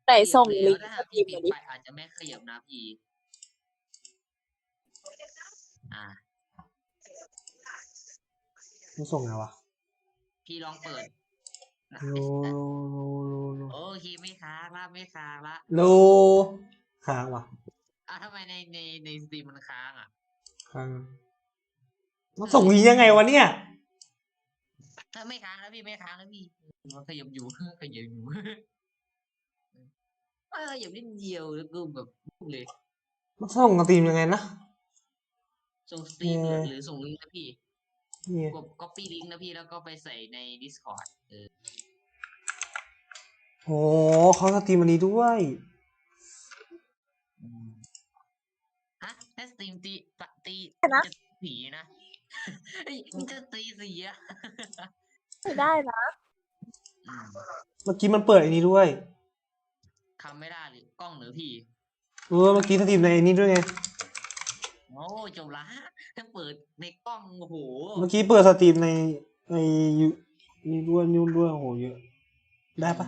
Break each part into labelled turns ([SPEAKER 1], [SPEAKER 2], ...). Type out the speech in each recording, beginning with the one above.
[SPEAKER 1] ไหน
[SPEAKER 2] ขยับ
[SPEAKER 1] ส่ง
[SPEAKER 2] แล้วถ้า
[SPEAKER 1] ลิงก์ส
[SPEAKER 2] หากพี่ปิด
[SPEAKER 1] ตรีมมาดิ
[SPEAKER 2] ไปอาจจะไม่ขยับนะพี่อ่า
[SPEAKER 3] มันส่งไงวะ
[SPEAKER 2] พี่ลองเปิดนะ
[SPEAKER 3] โลโล
[SPEAKER 2] โอเคไม่ค้างละไม่ค้างละ
[SPEAKER 3] โลค้างวะ
[SPEAKER 2] ทำไมในสตรีมมันค้างอ่ะ
[SPEAKER 3] ค้างมันส่งวียังไงวะเนี่ย
[SPEAKER 2] ถ้าไม่ค้างแล้วพี่ไม่ค้างแล้วพี่มันขยับอยู่ ขยับอยู่ขยับนิดเดียวแล้วก็แบบปุ๊บเลย
[SPEAKER 3] มันส่งสตรีมยังไงนะ
[SPEAKER 2] ส่งสตรีมหรือส่งลิงก์นะพี่
[SPEAKER 3] เนี่ย
[SPEAKER 2] กด copy ลิงก์นะพี่แล้วก็ไปใส่ใน Discord
[SPEAKER 3] โอ้เขาสตรีมอันนี้ด้วย
[SPEAKER 2] อืมฮะถ้าสตรีมตี
[SPEAKER 1] นะ
[SPEAKER 2] จะสีนะเฮ้ยมันจะตีสีอะ
[SPEAKER 1] ไม่ได้นะ
[SPEAKER 2] อืม
[SPEAKER 3] เมื่อกี้มันเปิดอันนี้ด้วย
[SPEAKER 2] ทำไม่ได้หรือกล้องหรือพี่
[SPEAKER 3] เมื่อกี้สตรีมในอันนี้ด้วยไง
[SPEAKER 2] โอ้จบละถ้าเปิดในกล้องโอ้โห
[SPEAKER 3] เมื่อกี้เปิดสตรีมในยูนี่ด้วยนู่นด้วยโอ้โหเยอะได้ปะ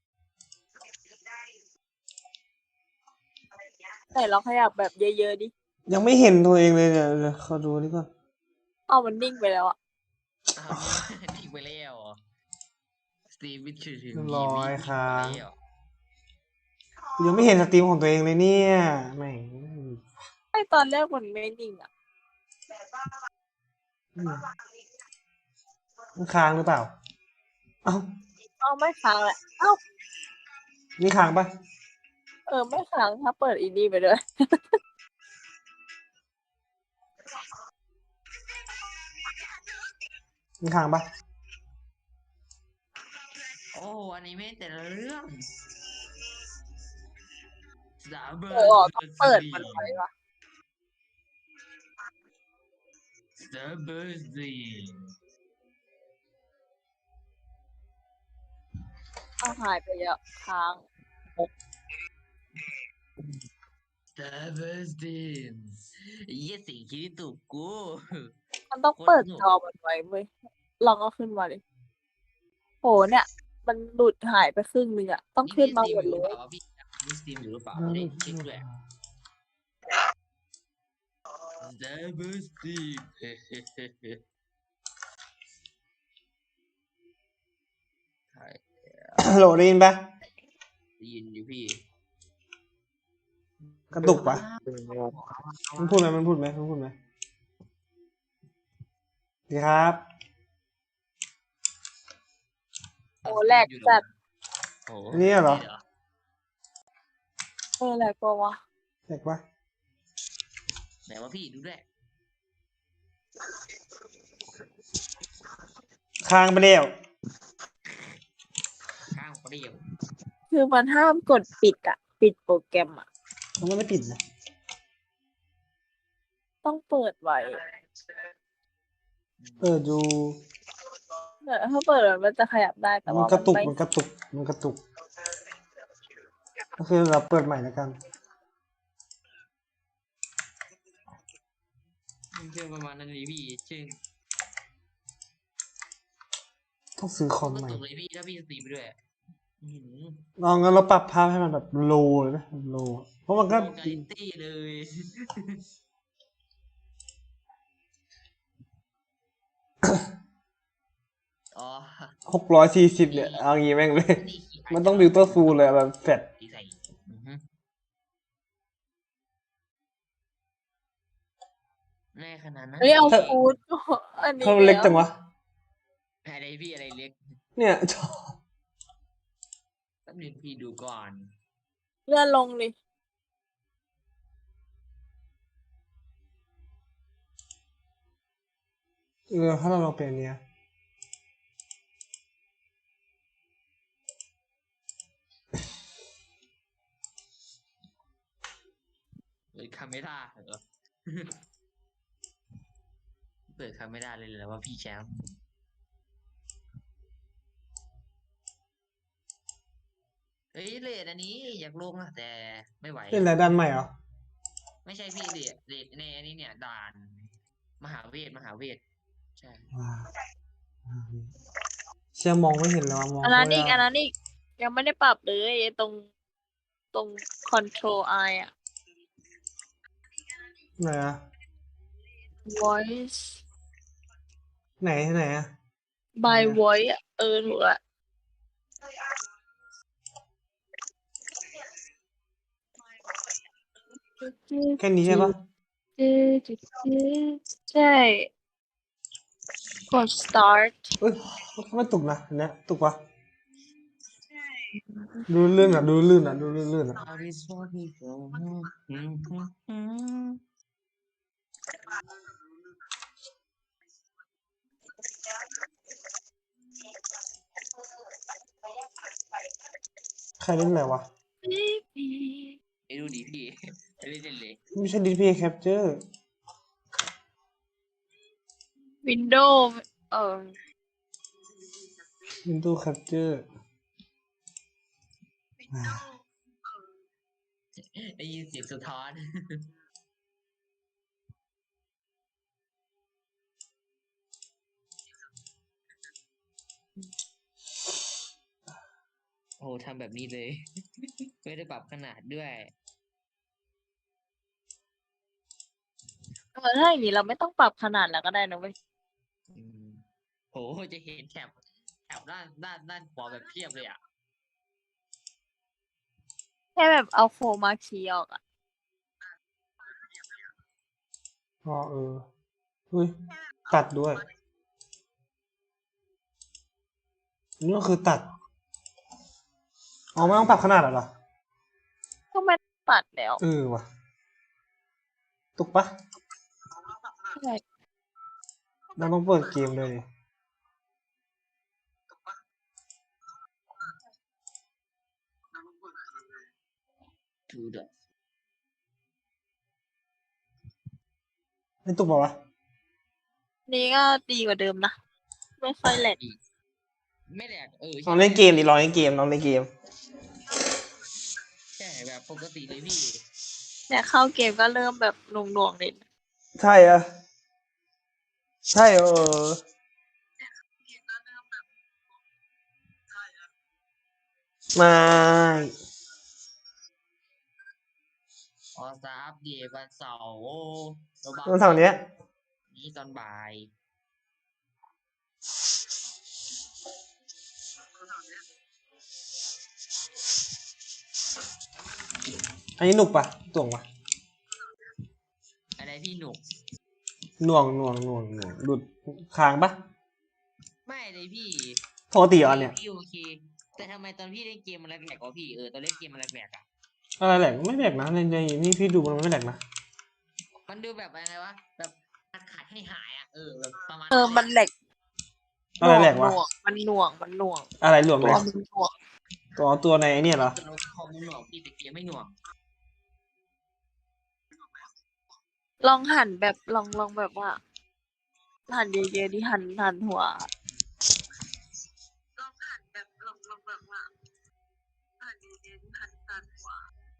[SPEAKER 1] ไหนลองขยับแบบเยอะๆดิ
[SPEAKER 3] ยังไม่เห็นตัวเองเลยเนี่ยเดี๋ยวขอดูนี่ก่อน
[SPEAKER 1] เอามันนิ่งไปแล้วอะ
[SPEAKER 2] นี่ทิ้งไปแล้วเหรอสตรีมวิถึง
[SPEAKER 3] เรียบร้อยครั
[SPEAKER 2] ไป
[SPEAKER 3] บ
[SPEAKER 2] แล้ว
[SPEAKER 3] ยังไม่เห็นสตรีมของตัวเองเลยเนี่ยแม่ง
[SPEAKER 1] ไอตอนแรกมันไม่นิ่งอะ
[SPEAKER 3] มันค้างหรือเปล่า เอ้า
[SPEAKER 1] เอาไม่ค้างแหละเอ้า
[SPEAKER 3] นี่ค้างปะ
[SPEAKER 1] ไม่ค้างถ้าเปิดอีนี่ไปด้วย
[SPEAKER 3] นี่ค้างปะ
[SPEAKER 2] โอ้อันนี้ไม่แต่ละเรื่องสาเบอ
[SPEAKER 1] ต้องเปิดมันไว้ว่ะ
[SPEAKER 2] สาเบอร์ซี
[SPEAKER 1] เอาหายไปเยอะค้าง
[SPEAKER 2] สาเบอร์ซียี่สิคิดถูกกู
[SPEAKER 1] มันต้องเปิดจอมันไว้เว้ยลองเอาขึ้นมาดิโหเนี่ย มันหลุดหายไปครึ่งนึงอะต้องขึ้นมาหมดเลย
[SPEAKER 2] นี่สตรีมอยู่หรือเปล่าพี่สตรีมอยู่หรือเปล่าไม่ได้เช็คด้วยสาเบอร์ซีใช่
[SPEAKER 3] โหลได้ยินปะ
[SPEAKER 2] ได้ยินอยู่พี่
[SPEAKER 3] กระตุกปะมันพูดไหมมันพูดไหมดีครับ
[SPEAKER 1] โอ้แหลกจัด
[SPEAKER 2] โอ้
[SPEAKER 3] นี่เหรอ
[SPEAKER 1] แหลกกว่าวะ
[SPEAKER 3] แตกปะ
[SPEAKER 2] ไหนว่าพี่ดูด้วย
[SPEAKER 3] ค้างไปแล้ว
[SPEAKER 2] ข้างเปรี้ยว
[SPEAKER 1] คือมันห้ามกดปิดอะปิดโปรแกรมอะ
[SPEAKER 3] มันไม่ได้ปิดนะ
[SPEAKER 1] ต้องเปิดไว้
[SPEAKER 3] เปิดดู
[SPEAKER 1] ถ้าเปิดมันจะขยับได้แต่
[SPEAKER 3] มัน
[SPEAKER 1] ว่าก
[SPEAKER 3] ระตุก
[SPEAKER 1] ไม่
[SPEAKER 3] มันกระตุกก็คือเราเปิดใหม่แล้วกัน
[SPEAKER 2] เชื่อประมาณนั้นเลยพี่เชื่อ
[SPEAKER 3] ต้องซื้อคอม
[SPEAKER 2] ก็
[SPEAKER 3] ใหม่
[SPEAKER 2] ตกเลยพี่ถ้าพี่สตรีมไปด้วยอื้อหือ
[SPEAKER 3] ลองงั้นเราปรับภาพให้มันแบบโลเลยนะโลเพราะมันก็
[SPEAKER 2] โลกาลิตี้เลย อ๋อ
[SPEAKER 3] 640เนี่ยเอางี้แม่งเลย
[SPEAKER 2] นี่
[SPEAKER 3] มันต้องบิวเตอร์ฟูลเลยแบบแฟด
[SPEAKER 2] ที่ใส่อือฮึแน่ขนาดนั้น
[SPEAKER 1] เฮ้ยเอาฟูดอันนี้
[SPEAKER 3] ถ้ามันเล็กจังวะ
[SPEAKER 2] อะไรพี่อะไรเล็ก
[SPEAKER 3] เนี่ยจอ
[SPEAKER 2] แป๊บนึงพี่ดูก่อน
[SPEAKER 1] เลื่อนลงดิ
[SPEAKER 3] ถ้าเราลองเป็นอันเนี้ย
[SPEAKER 2] เลยคาเมร่าเหรอ เปิดคาเมร่าเลยแล้วว่าพี่แชมป์เฮ้ยเลดอันนี้อยากลงอะแต่ไม่ไหว
[SPEAKER 3] เป็นอะไรด้านใหม่เหรอ
[SPEAKER 2] ไม่ใช่พี่เลดในอันนี้เนี่ยด่านมหาเวทใช่
[SPEAKER 3] ว้าวเชื่อมองไม่เห็นแล้วมอง
[SPEAKER 1] อันนั้นอีก
[SPEAKER 3] ไม่ได้
[SPEAKER 1] ยังไม่ได้ปรับเลยไอ้ตรงตรง Control I อ่ะ
[SPEAKER 3] ไหนอะ
[SPEAKER 1] Voice
[SPEAKER 3] ไหนไหนอะ
[SPEAKER 1] by
[SPEAKER 3] เนี่ย
[SPEAKER 1] Voice อ่ะถูกละ
[SPEAKER 3] แค่นี้ใช่ปะ
[SPEAKER 1] ใช่ กด start
[SPEAKER 3] เอ้ยไม่ตุกนะอันเนี้ยตุกปะดูลื่นอ่ะดูลื่นอ่ะดูลื่นอ่ะ
[SPEAKER 2] How is what we go
[SPEAKER 3] ใครเล่นอะไรวะ
[SPEAKER 2] ไอ้ดูดีพี่ไม่ได้เล่นเลย
[SPEAKER 3] ไม่ใช่ DP Capture
[SPEAKER 1] Windows
[SPEAKER 3] Windows Capture
[SPEAKER 2] ได้ยินเสียงสะท้อน โอ้ทำแบบนี้เลย ไม่ได้ปรับขนาดด้วย
[SPEAKER 1] ถ้าอย่างนี้เราไม่ต้องปรับขนาดแล้วก็ได้นะเว้ย
[SPEAKER 2] อืมโหจะเห็นแถบด้านขวาแบบเพียบเลยอ่ะ
[SPEAKER 1] แค่แบบเอาโคมาคีย์ออกอ่ะ
[SPEAKER 3] อ๋ออุ้ยตัดด้วยนี่ก็คือตัดอ๋อไม่ต้องปรับขนาดเหรอ
[SPEAKER 1] ก็ไม่ตัดแล้ว
[SPEAKER 3] ว่ะตุกปะ
[SPEAKER 1] ใช่
[SPEAKER 3] เราต้องเปิดเกมเลย
[SPEAKER 2] ทูเดอ
[SPEAKER 3] ไม่ตุกปะวะ
[SPEAKER 1] นี่ก็ดีกว่าเดิมนะ ไม่ค่อยแหลก
[SPEAKER 2] ไม่แหลก
[SPEAKER 3] ลอ
[SPEAKER 2] ใช่
[SPEAKER 3] งเล่นเกมดิลองเล่นเกมลองเล่นเกม
[SPEAKER 2] ใช่แบบปกติเลยพี่
[SPEAKER 1] เนี่ยเข้าเกมก็เริ่มแบบหน่วงๆเลย
[SPEAKER 3] ใช่อะใช่ไม่
[SPEAKER 2] ออสตาอัปเดตวันเสาร์โอ้ระวัง
[SPEAKER 3] วันเสาร์เนี้ย
[SPEAKER 2] นี้ตอนบ่าย
[SPEAKER 3] อันนี้หนุกปะต่วงปะ
[SPEAKER 2] อะไรพี่หนุก
[SPEAKER 3] หน่วงหลุดค้างปะ
[SPEAKER 2] ไม่เลยพี่
[SPEAKER 3] ปกติเหรอเนี่ย
[SPEAKER 2] พี่โอเค แต่ทำไมตอนพี่เล่นเกมมันแหลกๆวะพี่ตอนเล่นเกมมันแหลกๆอ่ะ
[SPEAKER 3] อะไรแหลกไม่แหลกนะในนี่พี่ดูมันไม่แหลกนะ
[SPEAKER 2] มันดูแบบอะไรวะแบบขาดให้หายอ่ะแบบประมาณ
[SPEAKER 1] มันแหลก
[SPEAKER 3] อะไรแหลกวะ
[SPEAKER 1] มันหน่วง
[SPEAKER 3] อะไรหลวง
[SPEAKER 1] ตั
[SPEAKER 3] เล
[SPEAKER 1] วย มันหน่วง
[SPEAKER 3] ตัวในไอ้เนี่ยเหรอ
[SPEAKER 2] ตัวคอมมันหน่วงพี่แต่เกมไม่หน่วง
[SPEAKER 1] ลองหันแบบลองแบบว่า หันเยอะๆดิหันหัว ลองหันแบบลองแบบว่าหันเยอะๆหันหัว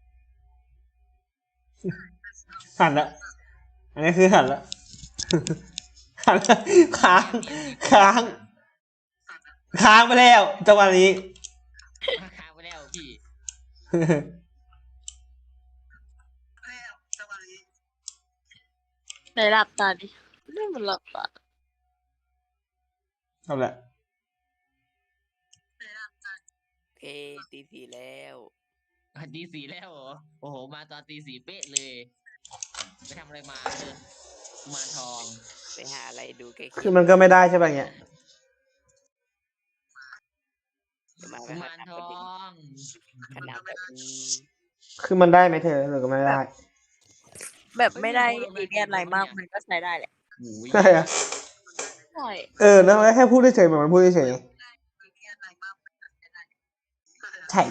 [SPEAKER 3] หันละอันนี้คือหันละ หันละค้างไปแล้วจังหวะนี้
[SPEAKER 2] ค้างไปแล้วพี่
[SPEAKER 1] ไหนหลับตาดินี่มันหลับตา
[SPEAKER 3] เอาละ
[SPEAKER 4] เพตีสี่แล้ว
[SPEAKER 2] ตีสี่แล้วเหรอโอ้โหมาตอนตีสี่เป๊ะเลยไปทำอะไรมากุมารทอง
[SPEAKER 4] ไปหาอะไรดูใกล้
[SPEAKER 3] คือมันก็ไม่ได้ใช่ป่ะเงี้ย
[SPEAKER 4] จะมาไป
[SPEAKER 2] กุ
[SPEAKER 4] หาม
[SPEAKER 2] าร
[SPEAKER 4] ทาง
[SPEAKER 2] ท
[SPEAKER 4] ประ
[SPEAKER 2] อ
[SPEAKER 4] เด็น
[SPEAKER 2] ง
[SPEAKER 4] ขนาดแบบ
[SPEAKER 3] คือมันได้ไหมเธอหรือก็ไม่ได้
[SPEAKER 1] แบบไม่ได้ซีเรียสอะไรมากมันก็ใช้ได้แหละ
[SPEAKER 2] โอ้ย
[SPEAKER 3] ใช่อะ
[SPEAKER 1] ใช่
[SPEAKER 3] แล้วแค่พูดเฉยๆเหมือนมันพูดเฉยๆใช่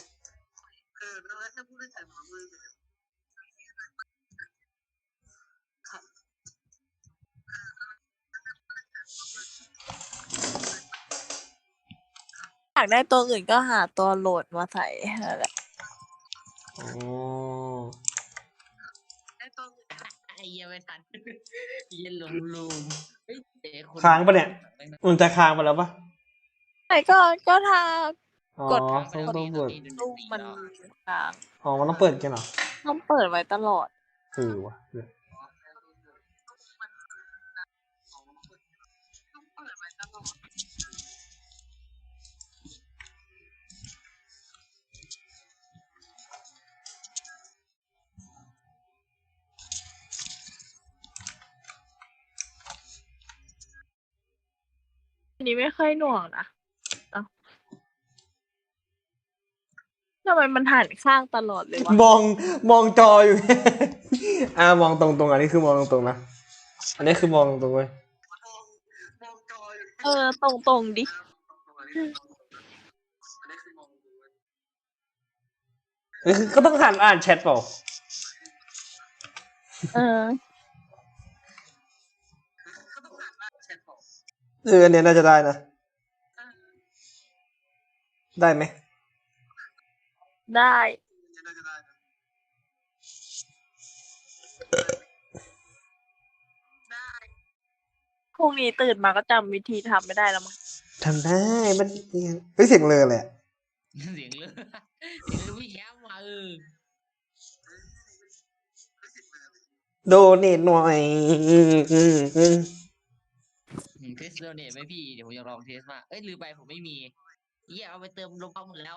[SPEAKER 1] อยากได้ตัวอื่นก็หาตัวโหลดมาใส่นั่นแหละ
[SPEAKER 3] อ๋อ
[SPEAKER 2] ไอ้เหี้ยังไม่ทันเหี้ย็นลุงเฮ้ยเจ๊คน
[SPEAKER 3] ค้างปะเนี่ยมันจะค้างไปแล้วปะ
[SPEAKER 1] ไหนก็ถ้า
[SPEAKER 3] อ๋อก
[SPEAKER 1] ด
[SPEAKER 3] ต้องเปิด
[SPEAKER 1] ตู้มันค้าง
[SPEAKER 3] อ๋อมันต้องเปิดกันเหรอ
[SPEAKER 1] ต้องเปิดไว้ตลอด
[SPEAKER 3] วะ
[SPEAKER 1] อันนี้ไม่ค่อยหน่วงนะเอ้าทำไมมันหันข้างตลอดเลยวะ
[SPEAKER 3] มองจออยู่ มองตรงๆอันนี้คือมองตรงๆนะอันนี้คือมองตรงๆเว้ย
[SPEAKER 1] ตรงดิ
[SPEAKER 3] ก็ต้องหันอ่านแชทเปล่า
[SPEAKER 1] เออ
[SPEAKER 3] อันเนี้ยน่าจะได้นะ ได้ไหม
[SPEAKER 1] ได้ พรุ่งนี้ตื่นมาก็จำวิธีทำไม่ได้แล้วมั้ง
[SPEAKER 3] ทำได้มันเฮ้ยเสียงเลยแหละ
[SPEAKER 2] เสียงเลยเสียงเลยพี่แย้มมา
[SPEAKER 3] โดเนทหน่อย
[SPEAKER 2] เทสโดเนทไหมพี่เดี๋ยวผมจะลองเทสมาเอ้ยลืมไปผมไม่มีเหี้ยเอาไปเติมลมปั๊มหมดแล้ว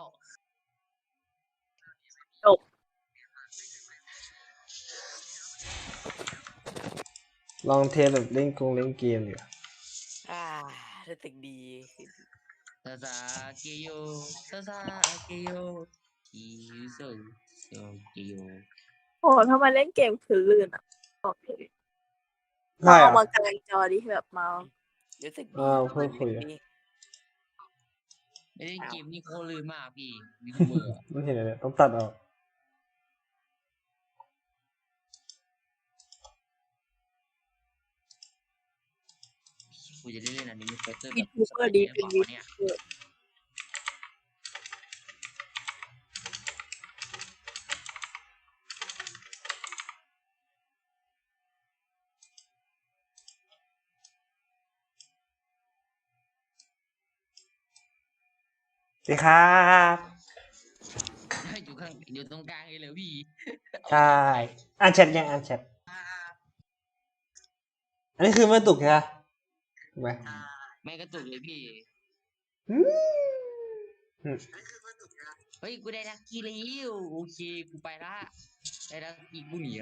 [SPEAKER 3] ลองเทสแบบเล่นเกมดีกว่า
[SPEAKER 4] รู้สึกดี
[SPEAKER 2] ซาซาเกโยซาซาเกโยคิโซโซเกโย
[SPEAKER 1] โอ้ทำไมเล่นเกมคือลื่นอ่ะบอกเลย
[SPEAKER 3] ได้
[SPEAKER 1] เอา
[SPEAKER 3] อะ
[SPEAKER 1] มากลางจอดิแบบมา
[SPEAKER 4] รู้สึกดี
[SPEAKER 3] เพิ่งคุยอะ
[SPEAKER 4] ดี
[SPEAKER 2] ไม่ได้เกมนี่โคตรลื่นมากพี่มีเบอร์
[SPEAKER 3] ไม่เห็นเลยต้องตัดออก
[SPEAKER 2] กูจะได้เล่นอันนี้มีไฟเตอร์
[SPEAKER 1] วิทูเบอร์ดีเป็นวิ
[SPEAKER 2] เนี่ย
[SPEAKER 1] ทูเบอร์
[SPEAKER 3] สวัสดีครับ
[SPEAKER 2] อยู่ตรงกลางเลยพี่
[SPEAKER 3] ใช่อ่านแชทยังอ่านแชทอันนี้คือไม่ตุกใช่ไหมถูกไหม
[SPEAKER 2] ไม่กระตุกเลยพี่
[SPEAKER 3] อืม
[SPEAKER 2] เฮ้ยกูได้ลักกี้แล้วโอเคกูไปละได้ลักกี้กูหนีละ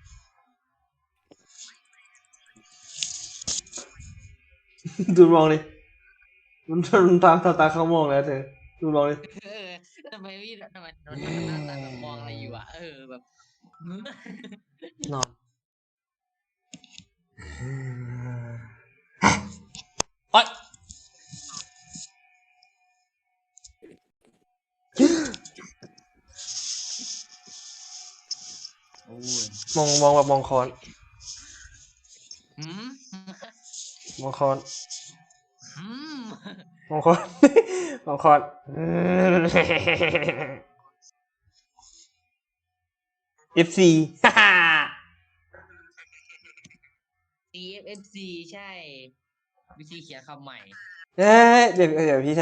[SPEAKER 3] ดูมองดิมันตาเขามองแล้วเธอดูมองดิ
[SPEAKER 2] เออทำไมพี่ทำไมหน้าตาแบบมองอะไรอยู่อ่ะแบบ
[SPEAKER 3] นอนโอ๊ย
[SPEAKER 2] โอ้ย
[SPEAKER 3] มองแบบมองคอน
[SPEAKER 2] หืม
[SPEAKER 3] มองคอน
[SPEAKER 2] หืม
[SPEAKER 3] มองคอน มองคอน FC ฮ่าฮ่า
[SPEAKER 2] CFFC ใช่ วิธีเขียนคำใหม่
[SPEAKER 3] เอ้ยเดี๋ยวพี่